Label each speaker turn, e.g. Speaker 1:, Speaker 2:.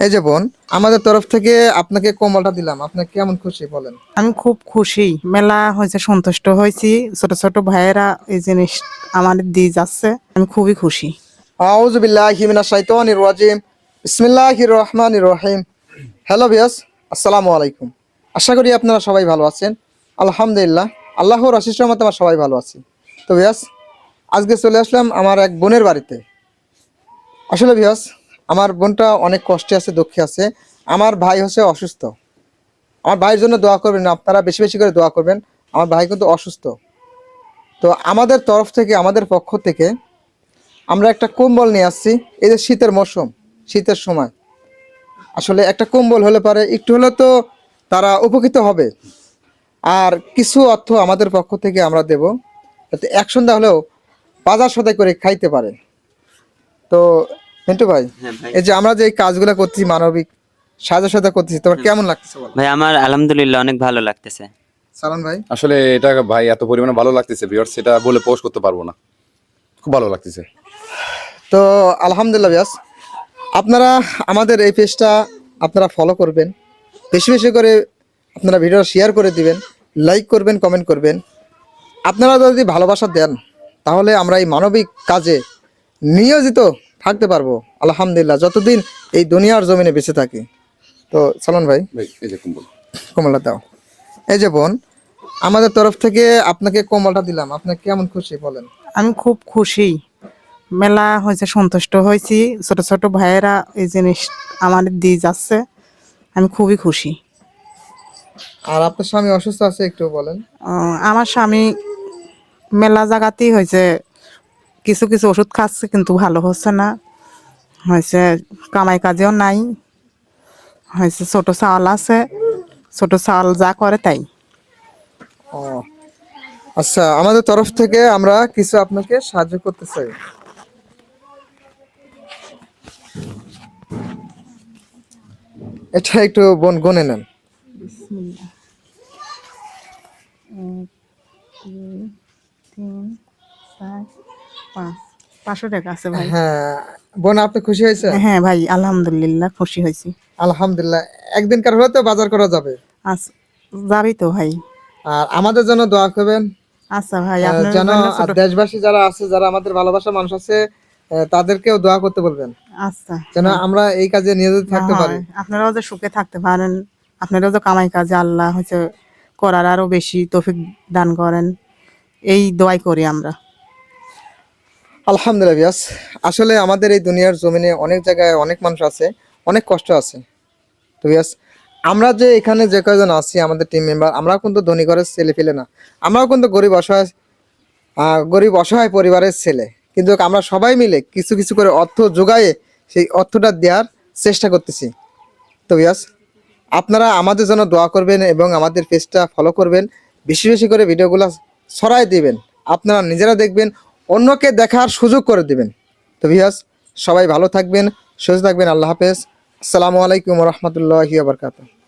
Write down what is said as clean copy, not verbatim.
Speaker 1: এই যে বোন, আমাদের তরফ থেকে আপনাকে কম্বলটা দিলাম, আপনি কেমন খুশি বলেন?
Speaker 2: আমি খুব খুশি, মেলা হয়েছে, সন্তুষ্ট হয়েছি। ছোট ছোট ভাইয়েরা এই জিনিস আমাদের দিয়ে যাচ্ছে, আমি খুবই খুশি।
Speaker 1: আউযু বিল্লাহি মিনাশ শাইতানির রাজিম। বিসমিল্লাহির রহমানির রহিম। হ্যালো ভিউয়ার্স, আসসালামু আলাইকুম। আশা করি আপনারা সবাই ভালো আছেন। আলহামদুলিল্লাহ, আল্লাহর অশেষ রহমতে আমরা সবাই ভালো আছি। তো ভিউয়ার্স, আজকে চলে আসলাম আমার এক বোনের বাড়িতে। আসলে ভিউয়ার্স, আমার বোনটা অনেক কষ্টে আছে, দুঃখে আছে। আমার ভাই হচ্ছে অসুস্থ। আমার ভাইয়ের জন্য দোয়া করবেন, আপনারা বেশি বেশি করে দোয়া করবেন। আমার ভাই কিন্তু অসুস্থ। তো আমাদের তরফ থেকে, আমাদের পক্ষ থেকে আমরা একটা কম্বল নিয়ে আসছি। এই যে শীতের মৌসুম, শীতের সময় আসলে একটা কম্বল হলে পারে একটু হলে তো তারা উপকৃত হবে। আর কিছু অর্থ আমাদের পক্ষ থেকে আমরা দেব, যাতে এক সন্ধ্যা হলেও বাজার সদাই করে খাইতে পারে। তো মিন্টু ভাই, এই যে আমরা যে এই কাজগুলো করতেছি, মানবিক সাহায্য করতেছি, তোমার কেমন লাগতেছে বলো?
Speaker 3: ভাই আমার আলহামদুলিল্লাহ অনেক ভালো লাগতেছে।
Speaker 1: সালাম ভাই।
Speaker 4: আসলে এটা ভাই এত পরিমাণে ভালো লাগতেছে ভিউয়ার্স, সেটা বলে পোস্ট করতে পারবো না। খুব ভালো লাগতেছে।
Speaker 1: তো আলহামদুলিল্লাহ ব্যাস, আপনারা আমাদের এই পেজটা আপনারা ফলো করবেন, বেশি বেশি করে আপনারা ভিডিও শেয়ার করে দিবেন, লাইক করবেন, কমেন্ট করবেন। আপনারা যদি ভালোবাসা দেন তাহলে আমরা এই মানবিক কাজে নিয়োজিত থাকতে পারবো আলহামদুলিল্লাহ, যতদিন এই দুনিয়ার জমিনে বেঁচে থাকি। তো সালমান ভাই,
Speaker 4: ভাই এই যে কম্বল।
Speaker 1: কমলটা দাও। এই যে বোন, আমাদের তরফ থেকে আপনাকে কমলটা দিলাম, আপনি কেমন খুশি বলেন?
Speaker 2: আমি খুব খুশি, মেলা হয়েছে, সন্তুষ্ট হয়েছি। ছোট ছোট ভাইয়েরা এই জিনিস আমাদের দিয়ে যাচ্ছে, আমি খুবই খুশি।
Speaker 1: আর আপনার স্বামী অসুস্থ আছে, একটু বলেন।
Speaker 2: আমার স্বামী মেলা জায়গাতেই হয়েছে, কিছু কিছু ওষুধ খাচ্ছে কিন্তু ভালো হচ্ছে না। হয়েছে কামাই কাজেও নাই, হয়েছে ছোট চাল আছে, ছোট চাল যা করে তাই।
Speaker 1: ও আচ্ছা, আমাদের তরফ থেকে আমরা কিছু আপনাকে সাহায্য করতে চাই। এটা একটু বোন গনে নেন।
Speaker 2: 500 টাকা আছে ভাই।
Speaker 1: হ্যাঁ বোন, আপনি খুশি হয়েছে?
Speaker 2: হ্যাঁ ভাই, আলহামদুলিল্লাহ খুশি হয়েছি।
Speaker 1: আলহামদুলিল্লাহ, একদিনকার হলে তো বাজার করা যাবে।
Speaker 2: আচ্ছা, যাবি তো ভাই?
Speaker 1: আর আমাদের জন্য দোয়া করবেন,
Speaker 2: আচ্ছা ভাই, আপনার
Speaker 1: যেন
Speaker 2: জন্য ছোট।
Speaker 1: দেশবাসী যারা আছে, যারা আমাদের ভালোবাসার মানুষ আছে, তাদেরকেও দোয়া করতে বলবেন,
Speaker 2: আচ্ছা
Speaker 1: যেন
Speaker 2: হ্যাঁ।
Speaker 1: আমরা এই কাজে নিয়োজিত থাকতে পারি।
Speaker 2: আপনারাও যে সুখে থাকতে পারেন, আপনারাও যে কামাই কাজে আল্লাহ হচ্ছে করার আরো বেশি তৌফিক দান করেন, এই দোয়াই করি আমরা।
Speaker 1: আলহামদুলিল্লাহ বিয়াস, আসলে আমাদের এই দুনিয়ার জমিনে অনেক জায়গায় অনেক মানুষ আছে, অনেক কষ্ট আছে। তো বিয়াস, আমরা যে এখানে যে কয়জন আছি, আমাদের টিম মেম্বার, আমরাও কিন্তু ধনী ঘরের ছেলে ফেলে না, আমরাও কিন্তু গরিব অসহায় পরিবারের ছেলে। কিন্তু আমরা সবাই মিলে কিছু কিছু করে অর্থ যোগায়ে সেই অর্থটা দেওয়ার চেষ্টা করতেছি। তো বিয়াস, আপনারা আমাদের জন্য দোয়া করবেন এবং আমাদের পেজটা ফলো করবেন, বেশি বেশি করে ভিডিওগুলো ছড়াই দিবেন, আপনারা নিজেরা দেখবেন, অন্যকে দেখার সুযোগ করে দিবেন। তো বিয়াস, সবাই ভালো থাকবেন, সুস্থ থাকবেন। আল্লাহ হাফেজ। আসসালামু আলাইকুম রহমতুল্লাহি ওয়া বারাকাতুহু।